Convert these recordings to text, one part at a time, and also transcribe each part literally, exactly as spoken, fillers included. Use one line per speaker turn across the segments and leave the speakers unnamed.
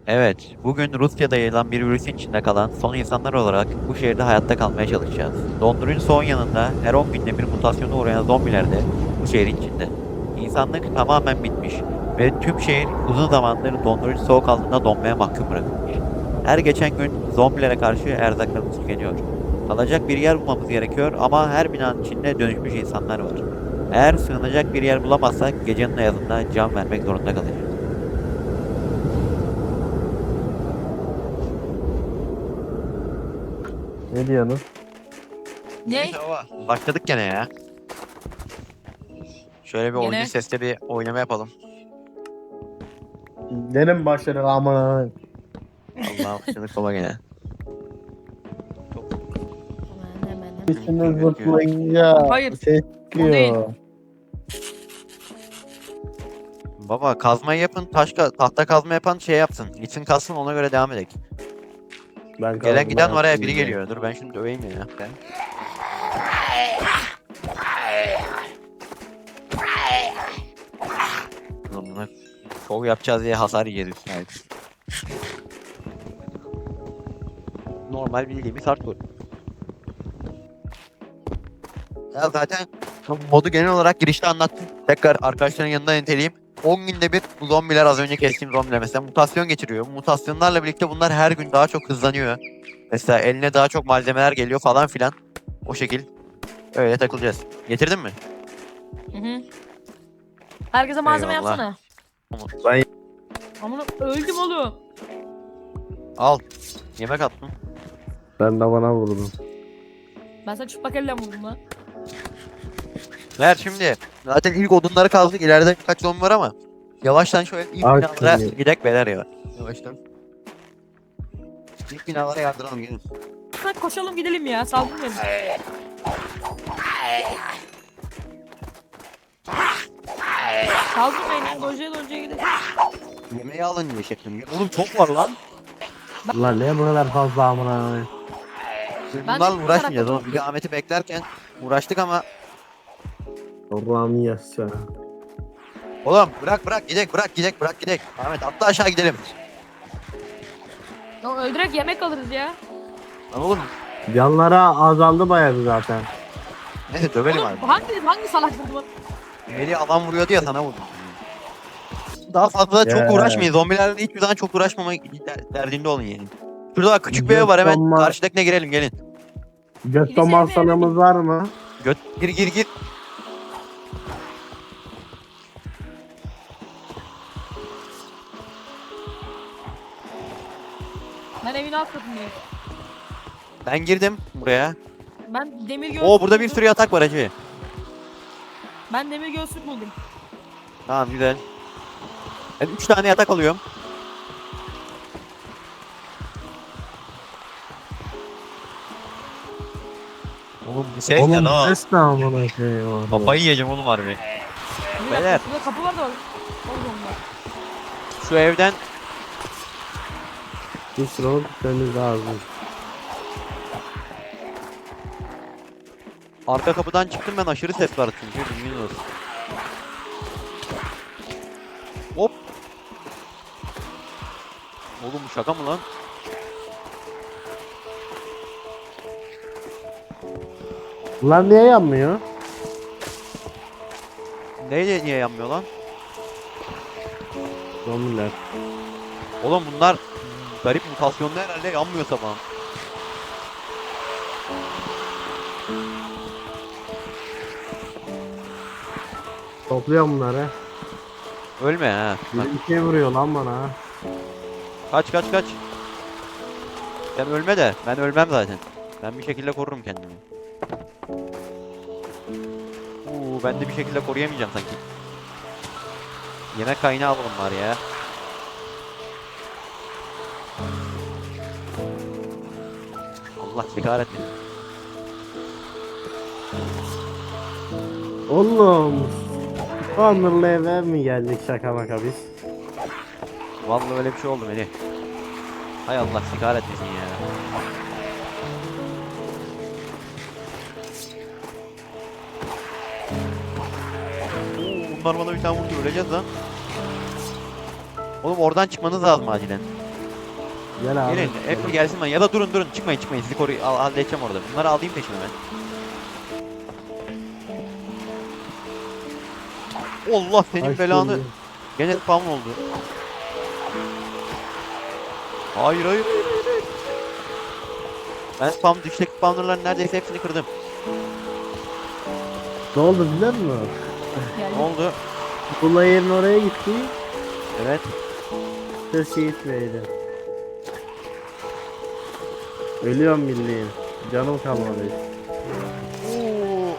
Evet, bugün Rusya'da yayılan bir virüsün içinde kalan son insanlar olarak bu şehirde hayatta kalmaya çalışacağız. Dondurucu soğun yanında her on günde bir mutasyona uğrayan zombiler de bu şehrin içinde. İnsanlık tamamen bitmiş ve tüm şehir uzun zamandır dondurucu soğuk altında donmaya mahkum bırakılmış. Her geçen gün zombilere karşı erzaklarımız tükeniyor. Kalacak bir yer bulmamız gerekiyor ama her binanın içinde dönüşmüş insanlar var. Eğer sığınacak bir yer bulamazsak gecenin ayazında can vermek zorunda kalacağız.
Ne diyorsunuz?
Ne?
Neyse baba. Başladık gene ya. Şöyle bir oyuncu
Gene?
sesle bir oynama yapalım.
Gene mi başladık ama?
Allah başladık baba gene.
Hemen hemen hemen.
Üstünü zıplayınca
Hayır,
ses
o değil.
çıkıyor.
Baba kazmayı yapın, taş ka- tahta kazma yapan şey yapsın. Gitsin kalsın ona göre devam edelim.
Ben
Gelen
kazma
giden var ya
yaptım
biri
ya.
geliyor. Dur ben şimdi döveyim ya. Ben. Ulan buna şov yapacağız diye hasar yiyeceğiz üstüne. Normal bildiğimiz hardcore. Ya zaten modu genel olarak girişte anlattım. Tekrar arkadaşların yanında niteleyeyim. on günde bir bu zombiler az önce kestiğim zombiler mesela mutasyon geçiriyor. Mutasyonlarla birlikte bunlar her gün daha çok hızlanıyor. Mesela eline daha çok malzemeler geliyor falan filan. O şekil. Öyle takılacağız. Getirdin mi?
Hı hı. Herkese malzeme
Eyvallah.
yapsana.
Ben
Amına öldüm oğlum.
Al. Yemek attım.
ben de bana vurdum.
Ben sana çıplak elle vurdum lan.
Ver şimdi. Zaten ilk odunları kazdık. İleride birkaç zombi var ama. Yavaştan şöyle ilk
Al
binalara
şunu.
gidek beyler ya. Yavaştan. İlk binalara yardıralım gelin.
Hadi koşalım gidelim ya. Saldım beni. Saldım beni. Dojeye dojeye gidelim.
Yemeği alın diye şeklim. Oğlum çok var lan.
Lan ne bu kadar fazla amına?
Biz
Ben de
bunlarla
bu
uğraşmayacağız
tarafta
oğlum. Bir de Ahmet'i beklerken uğraştık ama.
Allah'ım yassa.
Oğlum bırak bırak gidek bırak gidek bırak gidek. Ahmet atla aşağı gidelim.
Ya öldürerek yemek alırız ya.
Lan oğlum.
Canlara azaldı bayağı zaten.
Neyse dövelim abi.
Oğlum hangi, hangi salak vurdu bana?
Melih adam vuruyordu ya sana vurdum. Daha fazla çok
Ya.
uğraşmayın. Zombilerle hiçbir zaman çok uğraşmama der- derdinde olun yani. Şurada bak küçük bir ev var hemen
Gökten ma-
karşıdakine girelim gelin.
Gökte masalımız var mı?
Göt gir gir gir.
Ben evin alt katındayım.
Ben girdim buraya.
Ben demir göğüslük
Oo burada bir
buldum.
sürü yatak var hacı.
Ben demir göğüslük buldum.
Tamam güzel. Ben üç tane yatak alıyorum. Oğlum bu ses
Oğlum
ne lan?
ses ne amına koyayım?
Kafayı yiyeceğim oğlum harbi.
Bir dakika,
Beyler.
şurada kapı var da var. Oğlum bak.
Şu evden
Bir sıralık gitmemiz lazım.
arka kapıdan çıktım ben aşırı ses var çünkü bilginiz olsun. Hop. Oğlum bu şaka mı lan?
Bunlar niye yanmıyor?
Neyle niye yanmıyor lan?
Zombiler.
Oğlum bunlar garip mutasyonlu herhalde yanmıyor sabah.
Topluyorum bunları.
Ölme ha. Bak,
Bir şey vuruyor lan bana.
kaç kaç kaç. Sen ölme de ben ölmem zaten. Ben bir şekilde korurum kendimi. Uuu ben de bir şekilde koruyamayacağım sanki. Yemek kaynağı alalım var ya. Allah sekaret etsin.
Oğlum. Onurlu eve mi geldik şaka maka biz?
Vallahi öyle bir şey oldu Melih. Hay Allah sekaret etsin ya. Oo, bunlar bana bir tane vurdu öleceğiz lan. Oğlum oradan çıkmanız lazım acilen.
Gel abi.
Gelin hep bir gelsin bana ya da durun durun çıkmayın çıkmayın sizi koru al, halledeceğim orada. Bunları alayım peşime ben. Allah senin
Ay,
belanı.
şimdi.
Gene spam oldu. Hayır hayır hayır hayır. hayır. Ben spam düşteki spawnerların neredeyse hepsini kırdım.
Ne oldu biliyor musun?
Yani
Ne oldu?
Bula yerin oraya gitti.
Evet.
Ses şey gitmeydi. Ölüyorum bildiğin. Canım kalmadı.
Oo.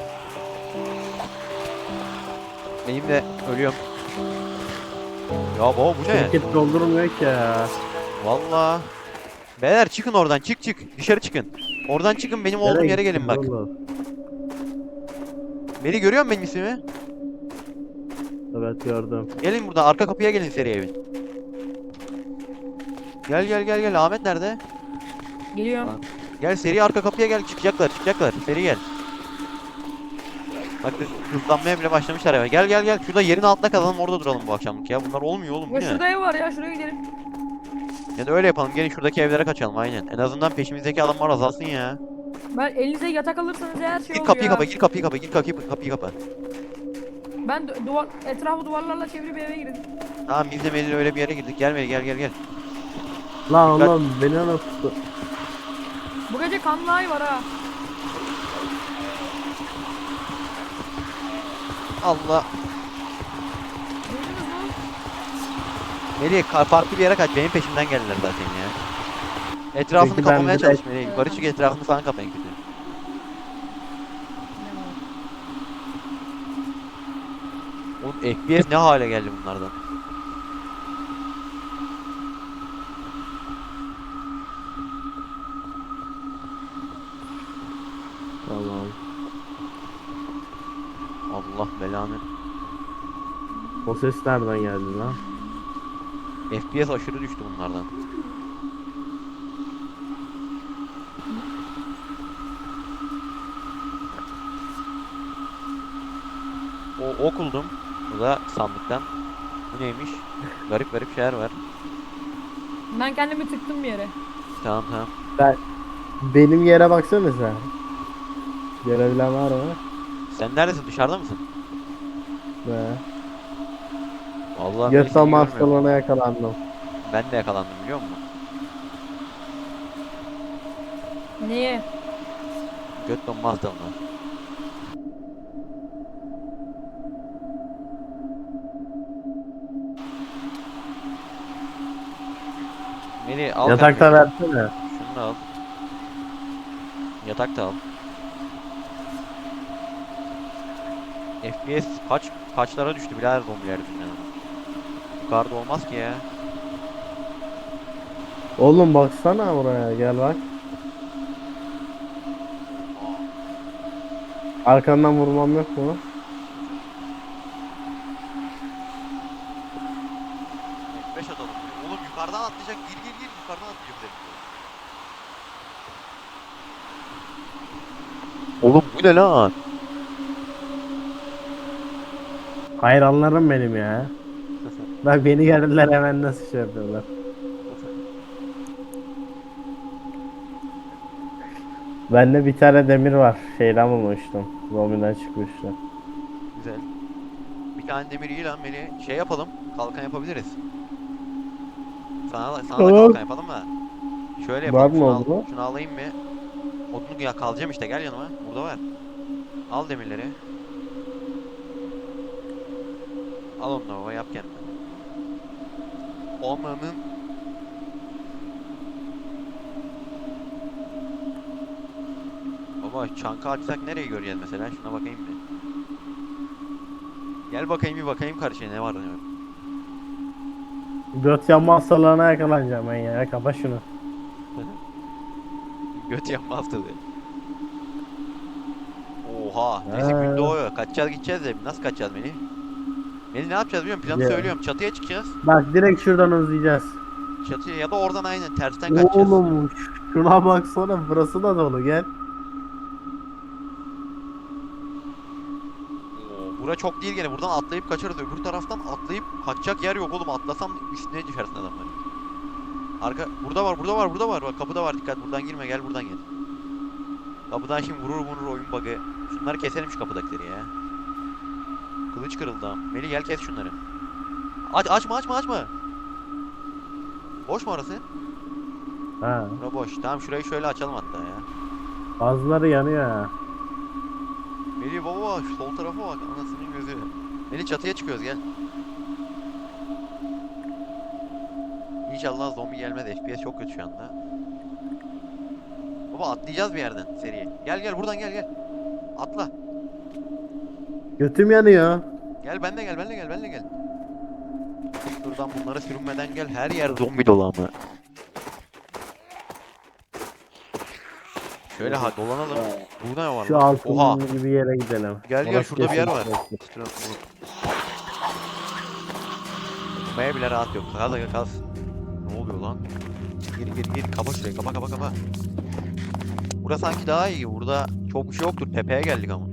Benim de ölüyorum. Ya baba bu ne?
Şirket doldurmuyor ki ya.
Valla. Beyler çıkın oradan çık çık. Dışarı çıkın. Oradan çıkın benim olduğum
Nereye
yere gelin
gittin
bak.
oğlum?
Beni görüyor musun benim ismimi?
Evet gördüm.
Gelin buradan arka kapıya gelin seri evin. Gel gel gel gel Ahmet nerede?
geliyorum.
Gel seri arka kapıya gel çıkacaklar çıkacaklar seri gel. Bak hızlanmaya bile başlamışlar ya. Gel gel gel şurada yerin altında kalalım orada duralım bu akşamlık ya. Bunlar olmuyor oğlum bu
Ya
ne?
şurada ev var ya, şuraya gidelim.
Ya da öyle yapalım gelin şuradaki evlere kaçalım aynen. En azından peşimizdeki adamlar azalsın ya.
Ben elinize yatak alırsanız eğer şey
Gir
oluyor
kapıyı
ya.
kapa gir kapıyı kapa gir kapıyı kapıyı kapa.
Ben du- duvar etrafı duvarlarla çevirip eve girdim.
Tamam biz de Melih'le öyle bir yere girdik. Gel Melih gel gel gel.
Lan
Dikkat.
oğlum beni unuttu.
Bu gece kanlı ay var ha.
Allah.
Duydunuz mu?
Melih ka- farklı bir yere kaç. Benim peşimden geldiler zaten ya. Etrafını
Peki ben
kapamaya
direkt-
çalış Melih. Yukarı çık etrafını falan kapayın kötü. Oğlum F P S ne hale geldi bunlardan.
Tamam.
Allah belanı.
O ses nereden geldi lan?
F P S aşırı düştü bunlardan. O ok buldum. Bu da sandıktan. Bu neymiş? Garip garip şeyler var.
Ben kendimi tıktım bir yere.
Tamam tamam.
Benim yere baksana sen. Görebilen var mı?
Sen neredesin? Dışarıda mısın?
Be.
Vallahi ben
Göt
seni
ama
görmüyorum.
hastalığına yakalandım.
Ben de yakalandım biliyor musun?
Neye?
Göt donma hastalığına. Melih al
Yatakta
kanka.
versene.
Şunu da al. Yatak da al. F P S kaç kaçlara düştü birader zombiler yüzünden. Yukarıda olmaz ki ya.
Oğlum baksana buraya gel bak. Arkandan vurmam yok mu?
F beş atalım. Oğlum yukarıdan atlayacak. Gir gir gir yukarıdan atlayacak bize. Oğlum bu ne lan?
Hayranlarım benim ya. Bak beni geldiler hemen nasıl şey yapıyorlar. Bende bir tane demir var. Şeyden bulmuştum. Zombiden çıkmıştı.
Güzel. Bir tane demir iyi lan Melih. Şey yapalım. Kalkan yapabiliriz. Sana, sana da
Tamam.
kalkan yapalım da. Şöyle
Var
yapalım.
mı
Şunu, al,
oldu?
şunu alayım bir. Odunu ya kalacağım işte gel yanıma. Burada var. Al demirleri. Al onları baba yap kendine. Onların Baba çanka açsak nereye göreceğiz mesela? Şuna bakayım bir. Gel bakayım bir bakayım karşıya ne var ne yok.
Göt yanma hastalığına yakalanacağım ben ya. Kapa şunu.
Göt yapma hastalığı. Oha. Neyse
Ee.
gün doğuyor. Kaçacağız gideceğiz de nasıl kaçacağız Melih? Melih ne yapacağız biliyor musun? Planı
Ya.
söylüyorum. Çatıya çıkacağız.
Bak direkt şuradan uzayacağız.
Çatıya ya da oradan aynen tersten kaçacağız.
Oğlum şuna baksana burası da dolu gel.
Oo, bura çok değil gene. Buradan atlayıp kaçarız. Öbür taraftan atlayıp kaçacak yer yok oğlum. Atlasam üstüne düşersin adamların. Arka burada var, burada var, burada var. Bak kapıda var. Dikkat. Buradan girme. Gel buradan gel. Kapıdan şimdi vurur vurur oyun bug'ı. Şunları keselim şu kapıdakileri ya. Kılıç kırıldı ha. Melih gel kes şunları. Aç açma açma açma. Boş mu orası?
Ha.
Bura boş. Tamam şurayı şöyle açalım hatta ya.
Bazıları yanıyor ha.
Melih baba şu sol tarafa bak. Anasının gözü. Melih çatıya çıkıyoruz gel. İnşallah zombi gelmez. F P S çok kötü şu anda. Baba atlayacağız bir yerden seriye. Gel gel buradan gel gel. Atla.
Götüm yanıyor.
Gel benle gel benle gel benle gel. Şuradan bunlara sürünmeden gel. Her yer zombi dolu ama. Şöyle ha dolanalım. Burada ne var
Şu
lan? Oha.
altın gibi yere gidelim.
Gel gel
Orası
şurada bir yer
kesin
var.
kesin.
Tutmaya bile rahat yok. Kaz aga kaz. Ne oluyor lan? Gir gir gir. Kapa şurayı. Kapa kapa kapa. Burası sanki daha iyi. Burada çok bir şey yoktur. Tepeye geldik ama.